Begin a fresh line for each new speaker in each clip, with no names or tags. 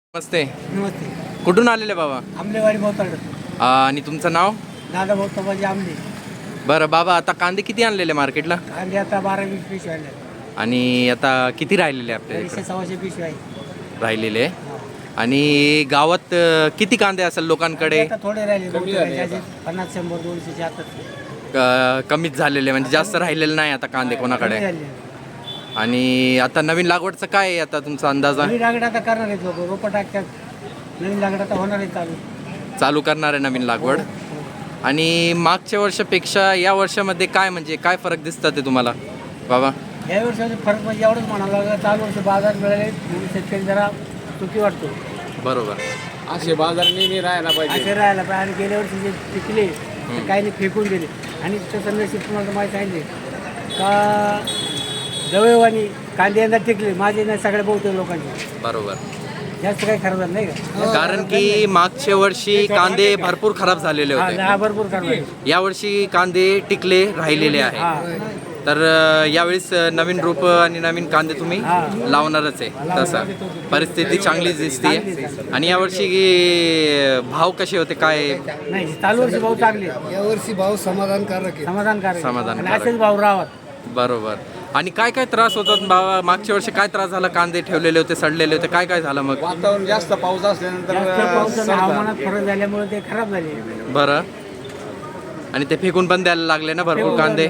नमस्ते.
नमस्ते.
कुठून आलेले बाबा?
आंबेवाडी मोताड.
आणि तुमचं नाव?
दादा मोताबाजी आंबे.
बरं बाबा, आता कांदे किती आणलेले मार्केटला?
कांदे आता 12-20 पिशव्या आणल्या.
आणि आता किती राहिलेले आपल्या इकडे?
100-100 पिशव्या आहे.
राहिलेले. आणि गावात किती कांदे असेल लोकांकडे?
आता थोडे राहिले. 50-100 200 आता
कमीच झालेले, म्हणजे जास्त राहिलेले नाही आता कांदे कोणाकडे. आणि आता नवीन लागवडचं काय आहे आता तुमचा अंदाज?
नवीन लागड आता करणार आहेत लोक, रोपं टाकतात. नवीन लागड आता होणार आहे
चालू करणार आहे नवीन लागवड. आणि मागच्या वर्षापेक्षा या वर्षामध्ये काय, म्हणजे काय फरक दिसतात ते तुम्हाला बाबा?
या वर्षाचा फरक म्हणजे एवढंच म्हणावं लागलं, चालू वर्ष बाजार मिळाले म्हणून शेतकरी जरा सुखी वाटतो.
बरोबर.
असे बाजार नेहमी राहायला पाहिजे.
असे राहायला पाहिजे. आणि गेल्या वर्षी जे पिकले ते काही फेकून दिले. आणि तसं नशीब तुम्हाला माहीत सांगितले का जवळवाणी कांदे यंदा टिकले माझे नाही सगळ्या बहुतेक लोकांचे.
बरोबर.
जास्त काही खराब झालं नाही का?
कारण की मागच्या वर्षी कांदे भरपूर खराब झालेले होते.
हा भरपूर खराब.
या वर्षी कांदे टिकले राहिलेले आहे. तर यावेळेस नवीन रोप आणि नवीन कांदे तुम्ही लावणारच आहे. तसं परिस्थिती चांगली दिसते. आणि यावर्षी भाव कसे होते काय?
नाही, चालू वर्षी भाव चांगले.
यावर्षी भाव समाधानकारक आहे.
समाधानकारक.
असेच भाव राहत.
बरोबर. आणि काय काय त्रास होतात बाबा? मागच्या वर्षी काय त्रास झाला? कांदे ठेवलेले होते, सडलेले होते, काय काय झालं मग?
वातावरण जास्त पाऊस
जास्त पाऊस आणि
असल्यानंतर
हवामानात फरक झाल्यामुळे ते खराब झाले.
बरं. आणि ते फेकून पण द्यायला लागले ना भरपूर कांदे.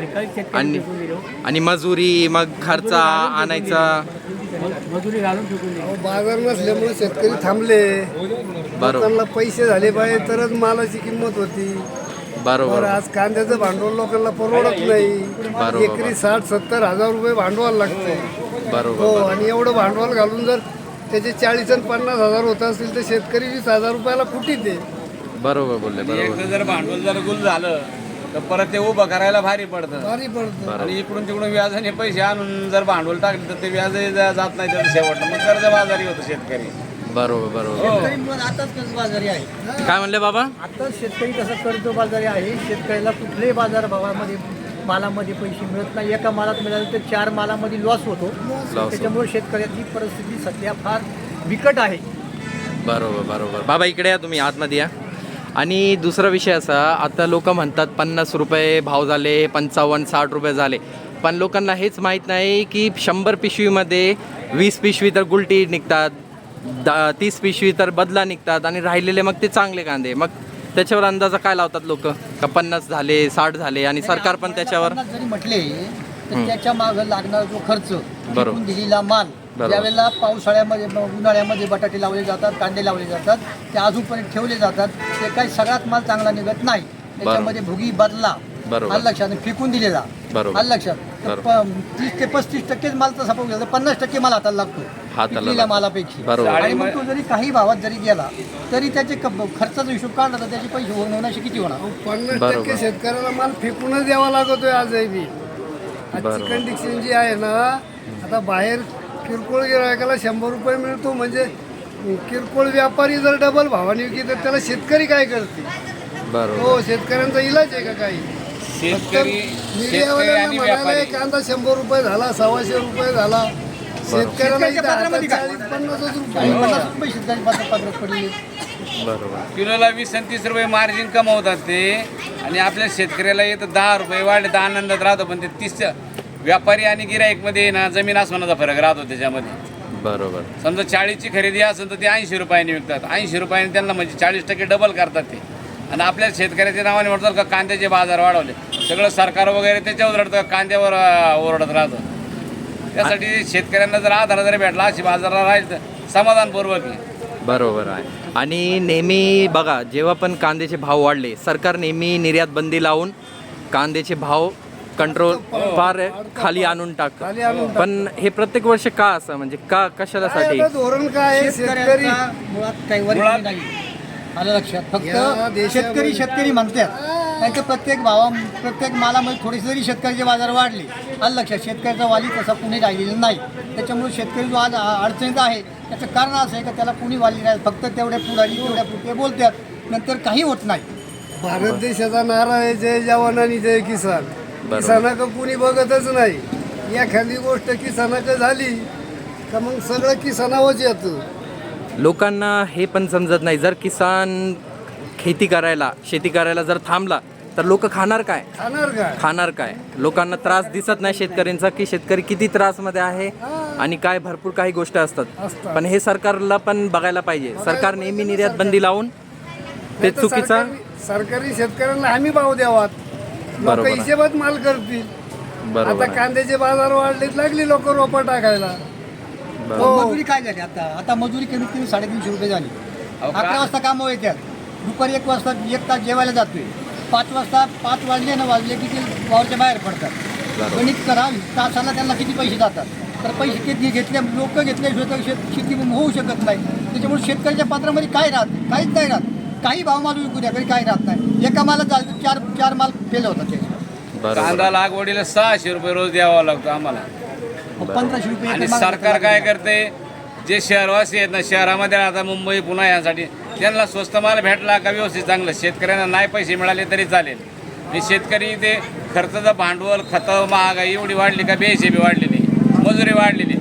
आणि मजुरी, मग खर्च आणायचा,
मजुरी घालून फेकून दिली.
बाजार नसल्यामुळे शेतकरी थांबले.
बरोबर
लोकांना पैसे झाले पाहिजे तरच मालाची किंमत होती.
बरोबर.
आज कांद्याचं भांडवल लोकांना परवडत नाही.
बरोबर.
एकरी 60-70 हजार रुपये भांडवल लागतं. हो,
बरोबर.
आणि एवढं भांडवल घालून जर त्याचे 40 आणि 50 हजार होत असतील तर शेतकरी 20,000 रुपयाला कुठे दे.
बरोबर बोलले.
एकदा
बरोबर.
जर भांडवल जर गुल झालं तर परत ते उभं करायला भारी पडतं.
भारी पडतं.
आणि इकडून तिकडून व्याजाने पैसे आणून जर भांडवल टाकले तर ते व्याज जात नाही त्याचं शेवटला मग कर्ज बाजारी होतं शेतकरी.
बरोबर. बरोबर.
आताच कर्ज बाजारी आहे.
काय म्हणले बाबा?
आता शेतकरी कसं कर्ज बाजारी आहे. शेतकऱ्याला कुठल्याही बाजार भावामध्ये मालामध्ये पैसे मिळत नाही. एका मालात मिळालं तर 4 मालामध्ये लॉस होतो. त्याच्यामुळे शेतकऱ्याची परिस्थिती सध्या फार बिकट आहे.
बरोबर. बरोबर. बाबा इकडे या, तुम्ही आतमध्ये या. आणि दुसरा विषय असा, आता लोक म्हणतात 50 रुपये भाव झाले, 55-60 रुपये झाले. पण लोकांना हेच माहीत नाही की 100 पिशवीमध्ये 20 पिशवी तर गुलटी निघतात, 30 पिशवी तर बदला निघतात. आणि राहिलेले मग ते चांगले कांदे. मग त्याच्यावर अंदाजा काय लावतात लोक का 50 झाले, 60 झाले? आणि सरकार पण त्याच्यावर
जरी म्हटले तर त्याच्या मागे लागणारा जो खर्च,
बरोबर.
दिलेला माल, ज्यावेळेला पावसाळ्यामध्ये उन्हाळ्यामध्ये बटाटे लावले जातात, कांदे लावले जातात, ते अजूनपर्यंत ठेवले जातात. ते काही सगळ्यात माल चांगला निघत नाही. त्याच्यामध्ये भुगी बदला आलं लक्षात, फेकून दिलेला आलं लक्षात. तर 30 ते 35% माल तसा पाहू गेला तर 50% माल हाताला लागतो मालापैकी. आणि मग तो जरी काही भावात जरी गेला तरी त्याचे खर्चाचा हिशोब काढला तर त्याचे पैसे होण्याशी किती होणार?
50% शेतकऱ्याला माल फेकूनच द्यावा लागतोय आजही बी. आजची कंडिशन जी आहे ना, आता बाहेर किरकोळ गिरायकाला 100 रुपये मिळतो, म्हणजे किरकोळ व्यापारी जर डबल भावाने विकली तर त्याला शेतकरी काय करते?
बरोबर.
हो, शेतकऱ्यांचा इलाज आहे का काही? मीडियावाल्यांना म्हणाले कांदा 100 रुपये झाला, 125 रुपये झाला. शेतकऱ्याला 40-50 रुपये.
शेतकरी पात्रात पडले.
बरोबर.
किलोला 20 आणि 30 रुपये मार्जिन कमावतात ते. आणि आपल्या शेतकऱ्याला येतं 10 रुपये वाढले तर आनंदात राहतो. पण ते 30 व्यापारी आणि गिराईकमध्ये ना जमीन आसमानाचा फरक राहतो त्याच्यामध्ये.
बरोबर.
समजा 40ची खरेदी असेल तर ते 80 रुपयाने विकतात. 80 रुपयाने त्यांना म्हणजे 40% डबल करतात ते. आणि आपल्या शेतकऱ्याच्या नावाने म्हणतात का कांद्याचे बाजार वाढवले. सगळं सरकार वगैरे त्याच्यावर रडतं, कांद्यावर ओरडत राहतं. त्यासाठी शेतकऱ्यांना जर आधार जरी भेटला अशी बाजाराला राहील तर समाधानपूर्वक आहे.
बरोबर आहे. आणि नेहमी बघा, जेव्हा पण कांद्याचे भाव वाढले, सरकार नेहमी निर्यात बंदी लावून कांद्याचे भाव कंट्रोल फार खाली आणून टाकतं. पण हे प्रत्येक वर्ष का असं, म्हणजे का, कशासाठी?
धोरण काय आहे? शेतकरी
मुळात काही वरील नाही आलं लक्षात. फक्त शेतकरी म्हणतात. नाही तर प्रत्येक मालामध्ये थोडेसे जरी शेतकऱ्याचे बाजार वाढले आलं लक्षात, शेतकऱ्याचा वाली तसा कुणी राहिलेला नाही. त्याच्यामुळे शेतकरी जो आज अडचणीत आहे त्याचं कारण असं आहे का त्याला कुणी वाली नाही. फक्त तेवढ्या पुढारी तेवढ्या पुढे बोलतात, नंतर काही होत नाही.
भारत देशाचा नारा आहे जय जवान आणि जय किसान. किसानाकडे कुणी बघतच नाही. एखादी गोष्ट किसानाकडे झाली का मग सगळं किसानावरच येतं.
लोकांना हे पण समजत नाही, जर किसान शेती करायला जर थांबला तर लोक खाणार काय? खाणार काय? लोकांना त्रास दिसत नाही शेतकऱ्यांचा, की शेतकरी किती त्रासमध्ये आहे आणि काय भरपूर काही गोष्टी असतात. पण हे सरकारला पण बघायला पाहिजे. सरकार नेहमी निर्यात बंदी लावून ते चुकीचा.
सरकारी शेतकऱ्यांना हमी भाव द्यावात, लोक
बरोबर आहे.
हिशेबात माल करतील.
बरोबर
आता
आहे.
कांद्याचे बाजार वाढलेत, लागली लोक रोपा टाकायला.
बरोबर.
मजुरी काय झाली आता मजुरी कमीत कमी 350 रुपये झाली.
अहो,
11 वाजता कामं येतात, दुपारी 1 वाजता 1 तास जेवायला जातोय, 5 वाजले ना वाजले की ते वावरच्या बाहेर पडतात.
बरोबर.
गणित करा, तासाला त्यांना किती पैसे जातात. तर पैसे किती लोक घेतल्याशिवाय तर शेती होऊ शकत नाही. त्याच्यामुळे शेतकऱ्याच्या पात्रामध्ये काय काहीच नाही राहत. काही भाव माल विकू द्या, काही राहत नाही. एका मालात झालं तर चार माल फेल होतात.
बरोबर.
कांदा लागवडीला 600 रुपये रोज द्यावा लागतो आम्हाला.
1500 रुपये
आणि
एका मालात
सरकार काय करते, जे शहरवासी आहेत ना, शहरामध्ये आता मुंबई पुणे यासाठी त्यांना स्वस्त माल भेटला का व्यवस्थित चांगलं, शेतकऱ्यांना नाही पैसे मिळाले तरी चालेल. आणि शेतकरी ते खर्चाचं भांडवल, खतं, महागाई एवढी वाढली का बेहिशेबी वाढलेली, मजुरी वाढलेली,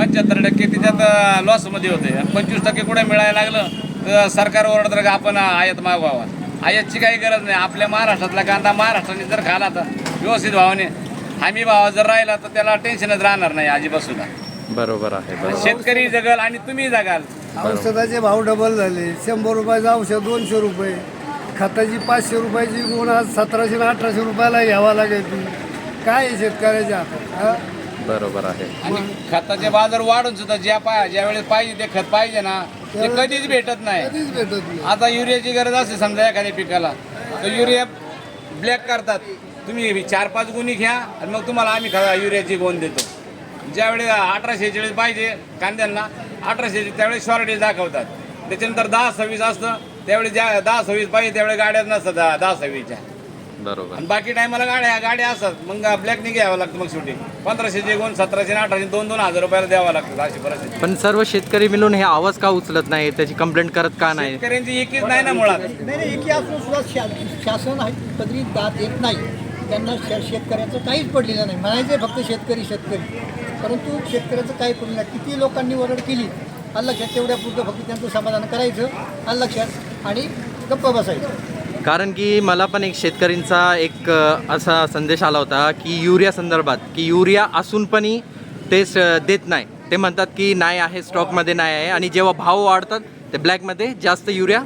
75% त्याच्यात लॉसमध्ये होते. 25% कुठे मिळायला लागलं तर सरकार ओरडतं का आपण आयात मागवावा. आयातची काही गरज नाही. आपल्या महाराष्ट्रातला कांदा महाराष्ट्राने जर खाला तर व्यवस्थित भावाने, हमी भाव जर राहिला तर त्याला टेन्शनच राहणार नाही अजिबात.
बरोबर आहे. बरोबर.
शेतकरी जगाल आणि तुम्ही जगाल.
औषधाचे भाव डबल झाले. 100 रुपयाचं औषध 200 रुपये, खताची 500 रुपयाची गुण आज 1700 आणि 1800 रुपयाला घ्यावा लागेल. काय आहे शेतकऱ्याच्या हातात? हा?
बरोबर आहे.
आणि खताचे बाजार वाढून सुद्धा ज्या वेळेस पाहिजे ते खत पाहिजे ना, ते कधीच भेटत नाही.
कधीच भेटत नाही.
आता युरियाची गरज असते समजा एखाद्या पिकाला, तर युरिया ब्लॅक करतात. तुम्ही 4-5 गुणी घ्या आणि मग तुम्हाला आम्ही युरियाची गोण देतो. ज्यावेळेस 1846 पाहिजे कांद्यांना, 1846 त्यावेळेस शॉर्टेज दाखवतात. त्याच्यानंतर 10-26 असतं, त्यावेळेस 10-26 पाहिजे त्यावेळेस गाड्याच नसतात 10-26च्या.
बरोबर.
आणि बाकी टायमाला गाड्या असतात. मग ब्लॅकने घ्यावं लागतं. मग शेवटी 1500चे गुण 1700 आणि 1800 2-2 हजार रुपयाला द्यावं लागतं. अशी परिस्थिती.
पण सर्व शेतकरी मिळून हे आवाज का उचलत नाही, त्याची कंप्लेंट करत का नाही?
शेतकऱ्यांची एकीच नाही ना मुळात.
नाही एकी असून सुद्धा शासन आहे पदरी दात येत नाही. त्यांना शेतकऱ्याचं काहीच पडलेलं नाही. म्हणायचे फक्त शेतकरी, परंतु शेतकऱ्याचं काही पडलं नाही. किती लोकांनी ओरड केली आलं लक्षात, तेवढ्या पुरतं फक्त त्यांचं समाधान करायचं आलं लक्षात आणि गप्प बसायचं.
कारण की मला पण एक शेतकऱ्यांचा एक असा संदेश आला होता की युरिया संदर्भात, की युरिया असून पण ते देत नाही. ते म्हणतात की नाही आहे, स्टॉकमध्ये नाही आहे, आणि जेव्हा भाव वाढतात ते ब्लॅकमध्ये जास्त युरिया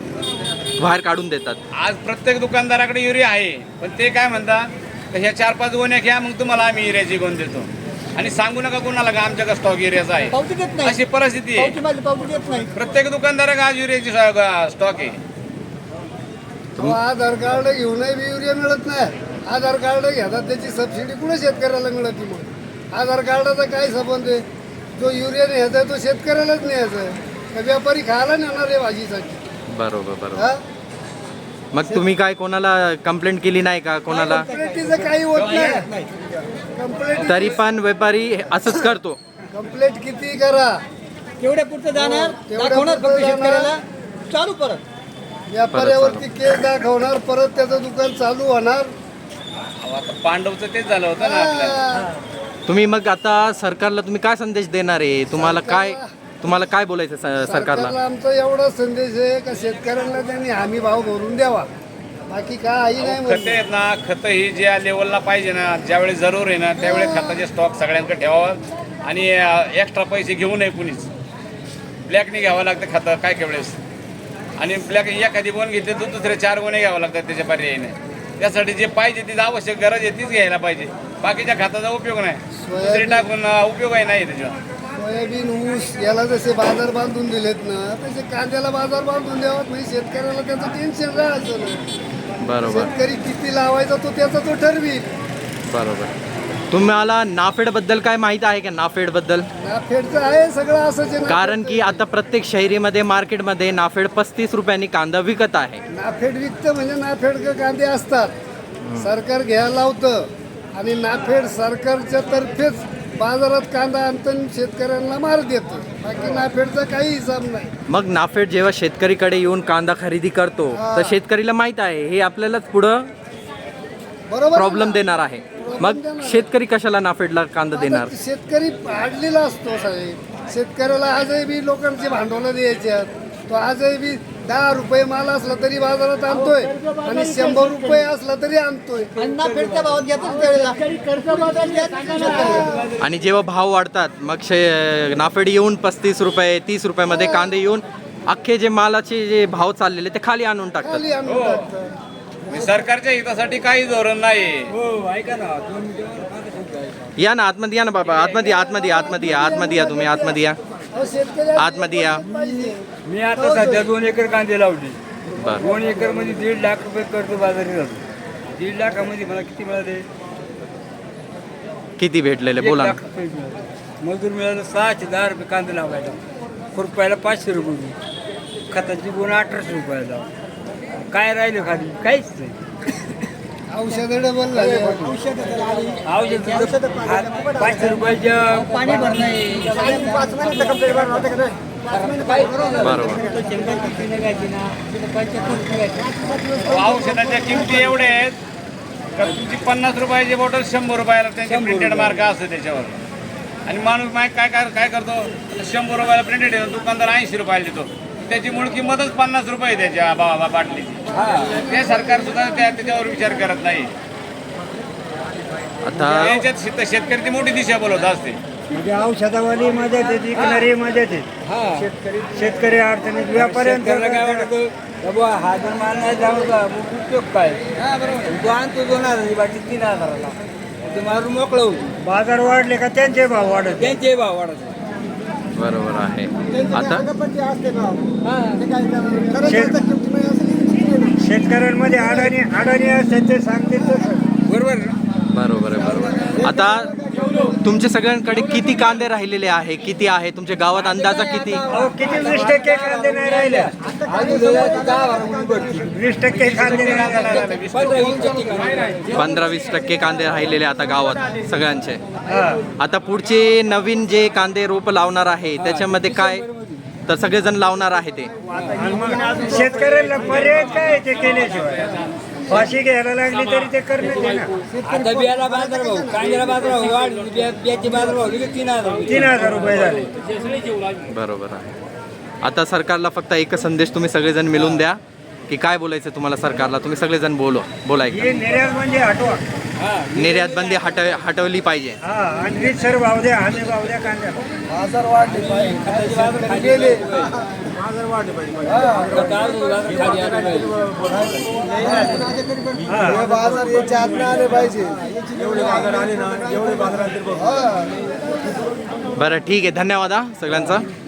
बाहेर काढून देतात.
आज प्रत्येक दुकानदाराकडे युरिया आहे, पण ते काय म्हणतात, तर ह्या 4-5 गोण्या घ्या, मग तुम्हाला आम्ही युरियाची गोण देतो. आणि सांगू नका कोणाला का आमच्याकडे स्टॉक युरियाचा आहे.
पावती देत नाही.
अशी परिस्थिती आहे.
पावती देत नाही.
प्रत्येक दुकानदाराकडे आज युरियाची स्टॉक आहे.
आधार कार्ड घेऊनही बी युरिया मिळत नाही. आधार कार्ड घेतात त्याची सबसिडी कुठे शेतकऱ्याला मिळते? मग आधार कार्डाचा काय संबंध आहे? जो युरिया न्यायचा आहे तो शेतकऱ्यालाच न्यायचा आहे, व्यापारी खायला नेणार आहे भाजीसाठी.
बरोबर. बरोबर.
हा?
मग तुम्ही काय कोणाला कंप्लेंट केली नाही का कोणाला?
कंप्लेंटीचं काही होत नाही. कंप्लेंट
तरी पण व्यापारी असंच करतो.
कंप्लेंट किती करा,
तेवढ्या पुरतं जाणार,
तेवढ्या
दाखवणार
पुरतं
फक्त शेतकऱ्याला, चालू परत.
व्यापाऱ्यावरती केस दाखवणार, परत त्याचं दुकान चालू होणार.
अहो, आता पांडवचं तेच झालं होतं ना आपल्याला.
तुम्ही मग आता सरकारला तुम्ही काय संदेश देणार आहे? तुम्हाला काय बोलायचं सरकारला?
सरकारला आमचा एवढा संदेश आहे का शेतकऱ्यांना त्यांनी हमी भाव भरून द्यावा, बाकी काही नाही
खतं
म्हणतो.
आहेत ना, खतं ही ज्या लेवलला पाहिजे ना, ज्यावेळेस जरूर आहे ना, त्यावेळेस खताचे स्टॉक सगळ्यांकडे ठेवावं आणि एक्स्ट्रा पैसे घेऊ नये कुणीच. ब्लॅकने घ्यावं लागतं खतं काय काही वेळेस, आणि ब्लॅक एखादी गोण घेतली तर दुसरे 4 गोणे घ्यावं लागतात त्याच्या पर्यायीने. त्यासाठी जे पाहिजे ती आवश्यक गरज आहे तीच घ्यायला पाहिजे. बाकीच्या खताचा उपयोग नाही, दुसरी टाकून उपयोगही नाही त्याच्यावर.
सोयाबीन, ऊस याला जसे बाजार बांधून दिलेत ना, तसे कांद्याला बाजार बांधून द्यावात. म्हणजे शेतकऱ्याला त्याचं टेन्शन राहायचं नाही.
बरोबर.
शेतकरी किती लावायचा तो त्याचा तो ठरवी.
बरोबर. तुम्हाला नाफेडबद्दल काय माहीत आहे का? नाफेडबद्दल
नाफेडचं आहे सगळं असंच आहे.
कारण की आता प्रत्येक शहरीमध्ये मार्केटमध्ये नाफेड 35 रुपयांनी कांदा विकत आहे.
नाफेड विकतं म्हणजे नाफेड कांदे असतात, सरकार घ्यायला लावतं आणि नाफेड सरकारच्या तर्फेच बाजारात कांदा आणतं, शेतकऱ्यांना मार देतं. बाकी नाफेडचा काही हिसाब नाही.
मग नाफेड जेव्हा शेतकरीकडे येऊन कांदा खरेदी करतो तर शेतकरीला माहीत आहे हे आपल्यालाच पुढं
बरोबर
प्रॉब्लेम देणार आहे. मग शेतकरी कशाला नाफेडला कांदा देणार?
शेतकरी पाडलेला असतो साहेब. शेतकऱ्याला आजही बी लोकांचे भांडवलं द्यायचे तो आजही बी 10 रुपये माल असला तरी बाजारात आणतोय आणि 100 रुपये असला तरी आणतोय.
अण्णा फिरत्या भावात घेतात त्यावेळेला.
आणि जेव्हा भाव वाढतात मग नाफेड येऊन 35 रुपये 30 रुपयामध्ये कांदे येऊन अख्खे जे मालाचे जे भाव चाललेले ते खाली आणून टाकतात.
खाली आणून टाकतात.
सरकारच्या हितासाठी काही धोरण नाही.
या ना आतमध्ये या ना बाबा, आतमध्ये या तुम्ही आतमध्ये या,
अहो, शेतकरी
आतमध्ये या.
मी आता सध्या 2 एकर कांदे लावले.
बरं
2 एकर मध्ये 1.5 लाख रुपये कर्ज बाजारी जातो. 1.5 लाखामध्ये मला किती मिळाले?
किती भेटलेले
1
बोला ना.
लाख रुपये मिळाले. मजूर मिळालं 610 रुपये कांदे लावायला. खुरपायला 500 रुपये. खताची गुण 1800 रुपयाला. काय राहिलं खाली? काहीच नाही.
औषधं डबल झाले.
औषध 500 रुपयाच्या
पाणी भरणं
बरोबर.
औषधाच्या किमती एवढ्या आहेत का तुमची 50 रुपयाची बॉटल 100 रुपयाला त्यांची प्रिंटेड मार्क असतो त्याच्यावर. आणि माणूस काय करतो 100 रुपयाला प्रिंटेड येतो, दुकानदार 80 रुपयाला देतो. त्याची मूळ किंमतच 50 रुपये त्याच्या बाटलीची. ते सरकार सुद्धा त्याच्यावर विचार करत नाही.
आता
याच्यात शेतकरी मोठी दिशा बोलवत असते.
म्हणजे औषधावाली मदत आहे, विकणारी मदत आहे. शेतकरी अडचणीत व्यापाऱ्यांना काय वाटतं बाबा हा जर माल नाही जाऊ का मग उपयोग काय? तो आणतो 2000 बाकी 3000ला ते मारून मोकळं होतो. बाजार वाढले का त्यांचे भाव वाढत.
बरोबर आहे. आता
शेतकऱ्यांमध्ये अडाणी असते ते सांगते बरोबर.
बरोबर आहे. आता तुमच्या सगळ्यांकडे किती कांदे राहिलेले आहे? किती आहे तुमच्या गावात अंदाजा किती?
किती 20% कांदे नाही राहिले. 20% कांदे नाही राहिले.
15-20% कांदे राहिलेले आता गावात सगळ्यांचे. आता पुढचे नवीन जे कांदे रोप लावणार आहे त्याच्यामध्ये काय, तर सगळेजण लावणार आहे ते.
शेतकऱ्याला पर्याय काय ते केल्याशिवाय फाशी घ्यायला लागली तरी ते करणं आहे ना. आता बियाला बाजार भाव, कांद्याला बाजार भाव वाढले, बियाचे बाजार भाव 3000 रुपये झाले.
बरोबर आहे. आता सरकारला फक्त एकच संदेश तुम्ही सगळेजण मिळून द्या की काय बोलायचं तुम्हाला सरकारला. तुम्ही सगळेजण बोलायचं.
हे निर्यात म्हणजे हटवा.
निर्यात बंदी हटवली पाहिजे.
आणि रीतसर भाव द्या, हमी भाव द्या कांद्याला.
बाजार वाढले पाहिजे. गेले.
बाजार वाढले पाहिजे.
हे बाजार याच्या आतनं आले पाहिजे.
बरं ठीक आहे. धन्यवाद हा सगळ्यांचा.